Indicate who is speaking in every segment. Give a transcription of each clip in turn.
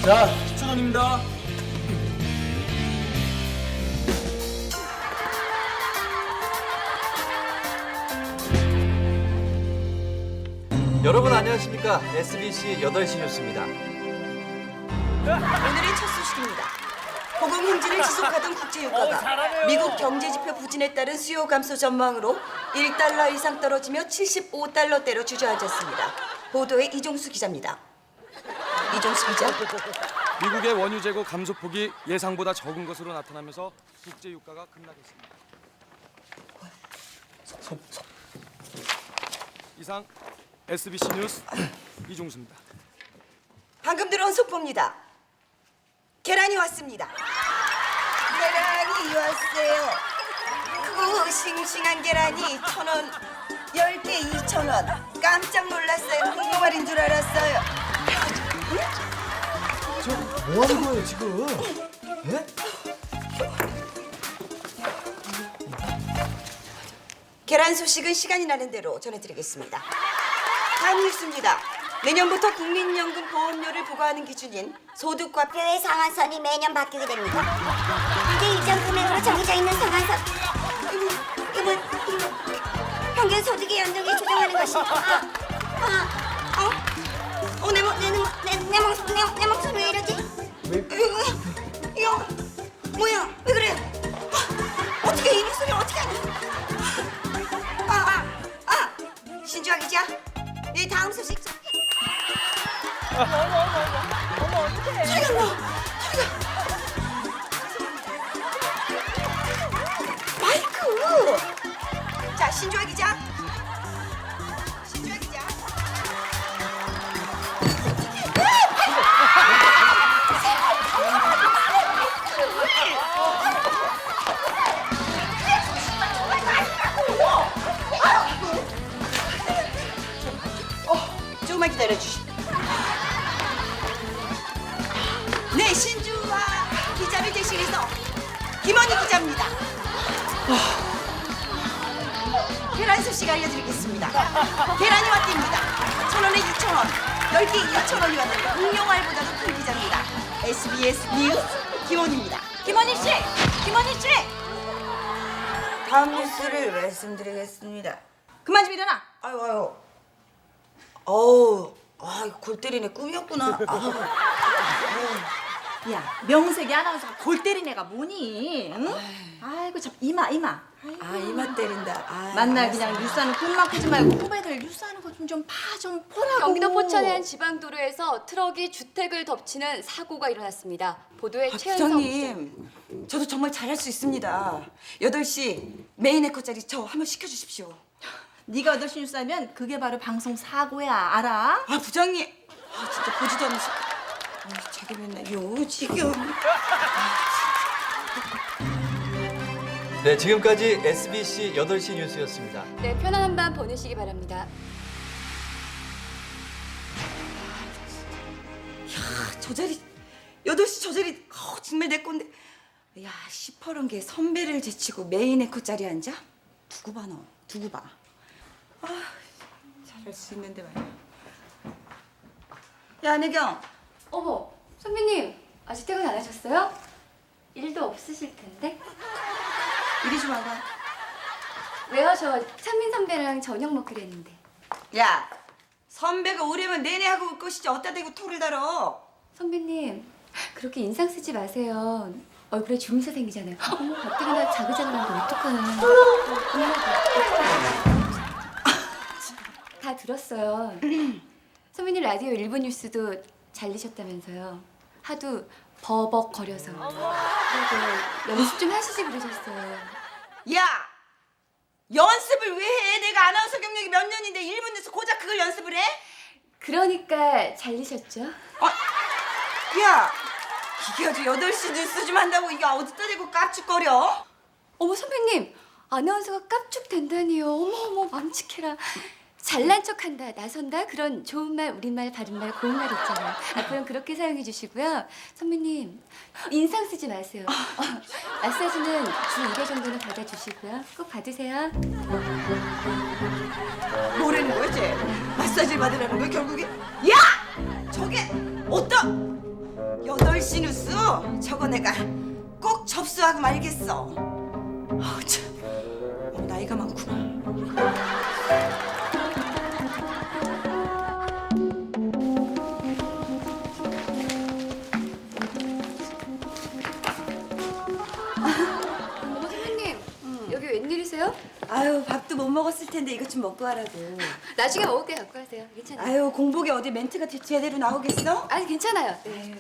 Speaker 1: 자, 10,000원입니다.
Speaker 2: 여러분 안녕하십니까? SBC 8시 뉴스입니다.
Speaker 3: 오늘의 첫 소식입니다. 고공 행진을 지속하던 국제유가가 미국 경제지표 부진에 따른 수요 감소 전망으로 1달러 이상 떨어지며 75달러대로 주저앉았습니다. 보도에 이종수 기자입니다. 이종수 기자.
Speaker 4: 미국의 원유 재고 감소폭이 예상보다 적은 것으로 나타나면서 국제 유가가 급락했습니다. 이상 SBC 뉴스 이종수입니다.
Speaker 3: 방금 들어온 속보입니다. 계란이 왔습니다. 계란이 왔어요. 크고 싱싱한 계란이 1,000원, 10개 2,000원. 깜짝 놀랐어요. 홍보말인 줄 알았어요.
Speaker 1: 뭐 하는 거예요, 지금? 예?
Speaker 3: 계란 소식은 시간이 나는 대로 전해드리겠습니다. 다음 뉴스입니다. 내년부터 국민연금 보험료를 부과하는 기준인 소득과
Speaker 5: 의 상한선이 매년 바뀌게 됩니다. 현재 일정 금액으로 정해져 있는 상한선. 이분 평균 소득의 연동에 조정하는 것입니다. 내 목소리 왜 이러지?
Speaker 3: 이거 뭐야? 왜 그래? 어떻게 이 목소리 어떻게 하니? 신주아 기자, 네 다음 소식. 소리가 나. 마이크. 자, 신주아 기자. 신주아 기자. 조금만 기다려주시오. 네, 신주아 기자를 대신해서 김원희 기자입니다. 계란 소식 알려드리겠습니다. 계란이 왔답니다. 1,000원에 2,000원, 10개 2,000원이 왔는데 응용알보다도 큰 기자입니다. SBS 뉴스 김원희입니다. 김원희 씨! 김원희 씨! 다음 뉴스를 말씀드리겠습니다. 그만 좀 일어나! 아유. 골 때리네 꿈이었구나.
Speaker 6: 야, 명색이 아나운서가 골 때린 애가 뭐니? 응? 아이고 참 이마.
Speaker 3: 이마 때린다.
Speaker 6: 만날 그냥 뉴스하는 꿈만 꾸지 말고 후배들 뉴스하는 거 좀 봐, 좀 보라고.
Speaker 7: 경기도 포천의 한 지방도로에서 트럭이 주택을 덮치는 사고가 일어났습니다. 보도에 최은성
Speaker 3: 부장님, 저도 정말 잘할 수 있습니다. 8시 메인 에코짜리 저 한번 시켜주십시오.
Speaker 6: 네가 8시 뉴스 하면 그게 바로 방송 사고야, 알아?
Speaker 3: 부장님, 진짜 보지도 않으시. 자기 맨날 요 지금.
Speaker 2: 네, 지금까지 SBC 8시 뉴스였습니다.
Speaker 7: 네, 편안한 밤 보내시기 바랍니다.
Speaker 3: 저 자리 8시 저 자리 정말 내 건데. 야, 시퍼런 게 선배를 제치고 메인 에코 자리에 앉아? 두고 봐 너. 두고 봐. 잘할 수 있는데 말이야. 야, 안혜경.
Speaker 7: 어머, 선배님 아직 퇴근 안 하셨어요? 일도 없으실 텐데.
Speaker 3: 이리 좀 와봐.
Speaker 7: 왜요? 저 찬민 선배랑 저녁 먹기로 했는데.
Speaker 3: 야, 선배가 오래면 내내 하고 올 것이지 어디다 대고 토를 달어.
Speaker 7: 선배님 그렇게 인상 쓰지 마세요. 얼굴에 주름새 생기잖아요. 어머, 가뜩이나 자그자그한데 어떡하나. 다 들었어요. 선배님 라디오 일부 뉴스도 잘리셨다면서요. 하도 버벅거려서. 그리고 연습 좀 하시지 그러셨어요.
Speaker 3: 야, 연습을 왜 해? 내가 아나운서 경력이 몇 년인데 1분 내서 고작 그걸 연습을 해?
Speaker 7: 그러니까 잘리셨죠?
Speaker 3: 야, 이게 아주 8시 뉴스 좀 한다고 이게 어디다 대고 깝죽거려?
Speaker 7: 어머 선배님, 아나운서가 깝죽된다니요. 어머 맘칙해라. 잘난 척한다, 나선다 그런 좋은 말, 우리말, 바른말, 고운말 있잖아요. 앞으로는 그렇게 사용해 주시고요. 선배님, 인상 쓰지 마세요. 마사지는 주 2회 정도는 받아주시고요. 꼭 받으세요.
Speaker 3: 뭐라는 거야, 쟤? 마사지를 받으라는 거야, 결국에? 야! 저게 어떤... 8시 뉴스 저거 내가 꼭 접수하고 말겠어. 참 나이가 많구나.
Speaker 7: 어머 선생님, 여기 웬일이세요?
Speaker 3: 아유 밥도 못 먹었을 텐데 이것 좀 먹고 하라고.
Speaker 7: 나중에 먹을 게 갖고 가세요. 괜찮아요.
Speaker 3: 아유 공복에 어디 멘트가 제대로 나오겠어?
Speaker 7: 아니 괜찮아요. 네.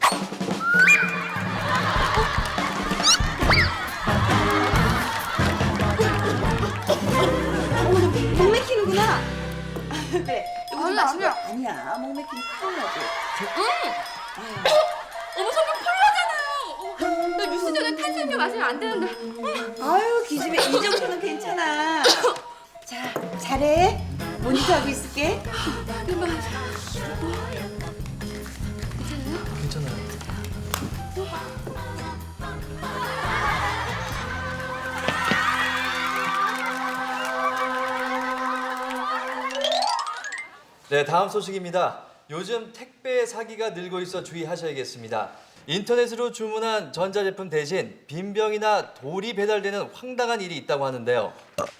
Speaker 3: 목 맥히는구나. 그래. 이거 좀
Speaker 7: 아니,
Speaker 3: 마시고.
Speaker 7: 아니야.
Speaker 3: 아니야. 목 맥히면 큰일 나지.
Speaker 7: 어머 선생님 콜라잖아요. 나 뉴스 전에 탄산음료 마시면 안 되는데.
Speaker 3: 아유 기집애 이 정도는 괜찮아. 자 잘해. 모니터하고 있을게.
Speaker 2: 괜찮아요. 네, 다음 소식입니다. 요즘 택배 사기가 늘고 있어 주의하셔야겠습니다. 인터넷으로 주문한 전자제품 대신 빈병이나 돌이 배달되는 황당한 일이 있다고 하는데요.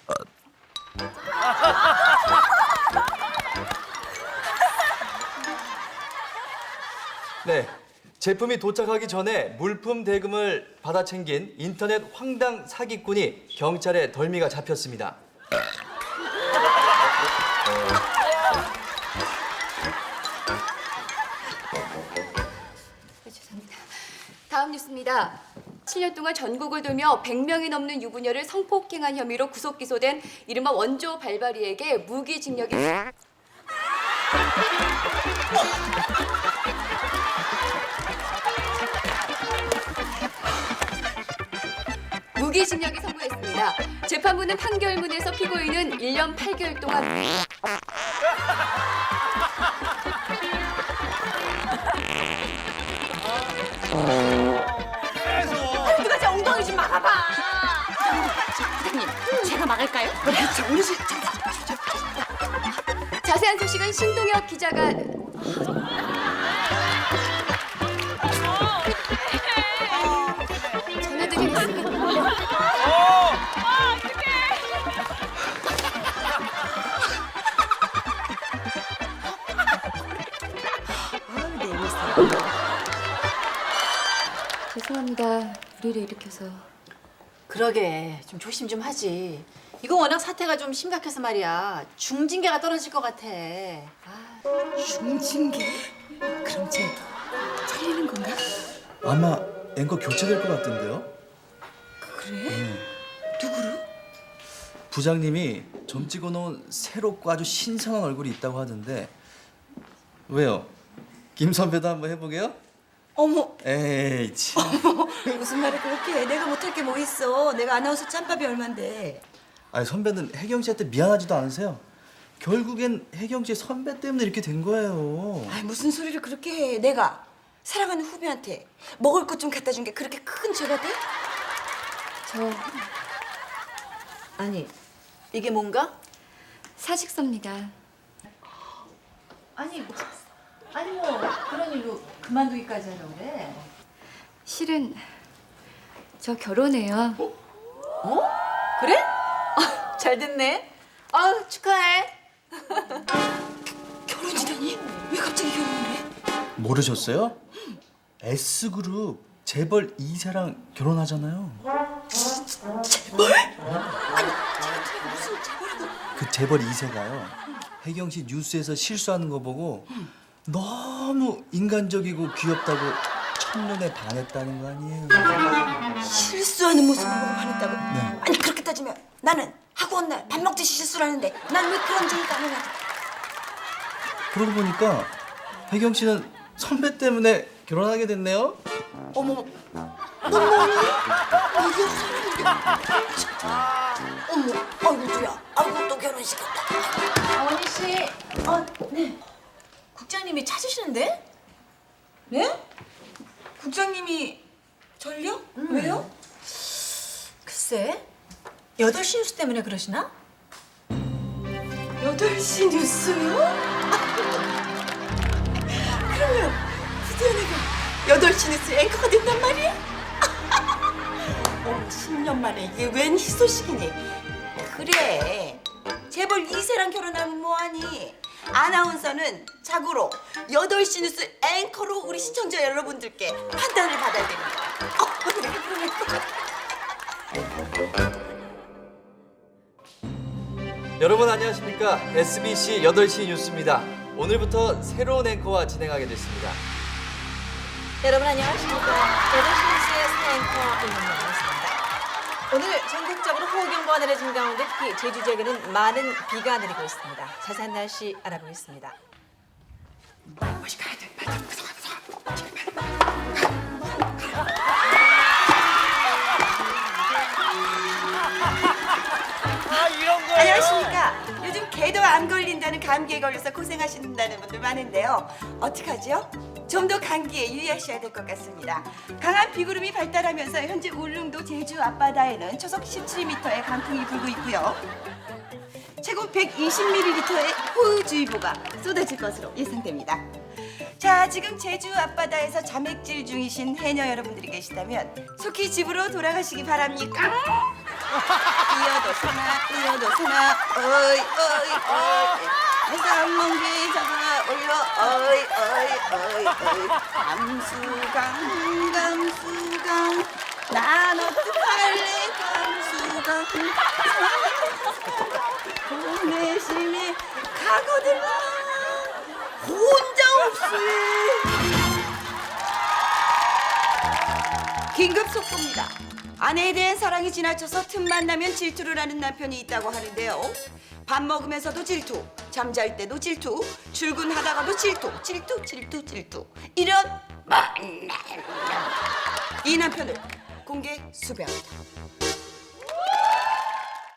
Speaker 2: 네, 제품이 도착하기 전에 물품 대금을 받아 챙긴 인터넷 황당 사기꾼이 경찰에 덜미가 잡혔습니다.
Speaker 7: 죄송합니다. 다음 뉴스입니다. 7년 동안 전국을 돌며 100명이 넘는 유부녀를 성폭행한 혐의로 구속 기소된 이른바 원조 발바리에게 무기징역이 무기징역이 선고했습니다. 재판부는 판결문에서 피고인은 1년 8개월 동안
Speaker 3: 누가 제 엉덩이 좀 막아봐.
Speaker 6: 선생님, 제가 막을까요?
Speaker 7: 자세한 소식은 신동엽 기자가 전해드리겠습니다. 죄송합니다. 우리를 일으켜서.
Speaker 6: 그러게, 좀 조심 좀 하지. 이거 워낙 사태가 좀 심각해서 말이야. 중징계가 떨어질 것 같아.
Speaker 3: 중징계? 그럼 쟤 잘리는 건가?
Speaker 1: 아마 앵커 교체될 것 같던데요?
Speaker 3: 그래? 누구로?
Speaker 1: 부장님이 점 찍어놓은 새롭고 아주 신선한 얼굴이 있다고 하던데 왜요? 김 선배도 한번 해보게요?
Speaker 3: 어머
Speaker 1: 에이 참.
Speaker 3: 무슨 말을 그렇게 해. 내가 못할 게 뭐 있어. 내가 아나운서 짬밥이 얼만데.
Speaker 1: 아니 선배는 혜경 씨한테 미안하지도 않으세요? 결국엔 혜경 씨 선배 때문에 이렇게 된 거예요.
Speaker 3: 아이 무슨 소리를 그렇게 해. 내가 사랑하는 후배한테 먹을 것 좀 갖다 준 게 그렇게 큰 죄가 돼?
Speaker 7: 저
Speaker 6: 아니, 이게 뭔가?
Speaker 7: 사직서입니다.
Speaker 6: 아니 뭐 그런 일로 그만두기까지 하려고 그래.
Speaker 7: 실은 저 결혼해요.
Speaker 6: 그래? 잘 됐네. 축하해.
Speaker 3: 결혼이라니? 왜 갑자기 결혼을 해?
Speaker 1: 모르셨어요? S그룹 재벌 2세랑 결혼하잖아요.
Speaker 3: 재벌? 아니 쟤가 무슨 재벌이고.
Speaker 1: 그 재벌 2세가요. 혜경 씨 뉴스에서 실수하는 거 보고 너무 인간적이고 귀엽다고 첫눈에 반했다는 거 아니에요?
Speaker 3: 실수하는 모습을 보고 반했다고?
Speaker 1: 네.
Speaker 3: 아니 그렇게 따지면 나는 하고 온 날 밥 먹듯이 실수를 하는데 난 왜 그런 적이 가능하지?
Speaker 1: 그러고 보니까 혜경 씨는 선배 때문에 결혼하게 됐네요.
Speaker 3: 어머 어머니 이게 사람인데 어머 아이고 두야 아이고 또 결혼시켰다.
Speaker 6: 원희 씨. 네. 국장님이 찾으시는데?
Speaker 3: 네? 국장님이 절요? 왜요?
Speaker 6: 글쎄. 8시 뉴스 때문에 그러시나?
Speaker 3: 8시 뉴스요? 그러면 드디어 내가 8시 뉴스 앵커가 된단 말이야? 어머, 10년 만에 이게 웬 희소식이니? 그래, 재벌 2세랑 결혼하면 뭐하니? 아나운서는 자고로 8시 뉴스 앵커로 우리 시청자 여러분들께 판단을 받아야 됩니다. 내가 그럴 것 같아.
Speaker 2: 여러분 안녕하십니까? SBC 8시 뉴스입니다. 오늘부터 새로운 앵커와 진행하게 됐습니다.
Speaker 6: 여러분 안녕하십니까? 8시 뉴스의 새 앵커 임은영이었습니다. 오늘 전국적으로 호우경보가 내려진 가운데 특히 제주 지역에는 많은 비가 내리고 있습니다. 자세한 날씨 알아보겠습니다.
Speaker 3: 안녕하십니까. 요즘 개도 안 걸린다는 감기에 걸려서 고생하신다는 분들 많은데요. 어떡하죠? 좀 더 감기에 유의하셔야 될 것 같습니다. 강한 비구름이 발달하면서 현재 울릉도 제주 앞바다에는 초속 17m의 강풍이 불고 있고요. 최고 120ml의 호우주의보가 쏟아질 것으로 예상됩니다. 자, 지금 제주 앞바다에서 자맥질 중이신 해녀 여러분들이 계시다면 속히 집으로 돌아가시기 바랍니까? 이어도서나 어이 해산멍게 잡아 올려 어이 감수강 난 어떡할래 감수강 보내심이 가거들라 혼자 없이. 긴급 속보입니다. 아내에 대한 사랑이 지나쳐서 틈만 나면 질투를 하는 남편이 있다고 하는데요. 밥 먹으면서도 질투, 잠잘 때도 질투, 출근하다가도 질투. 이런 이 남편을 공개 수배합니다.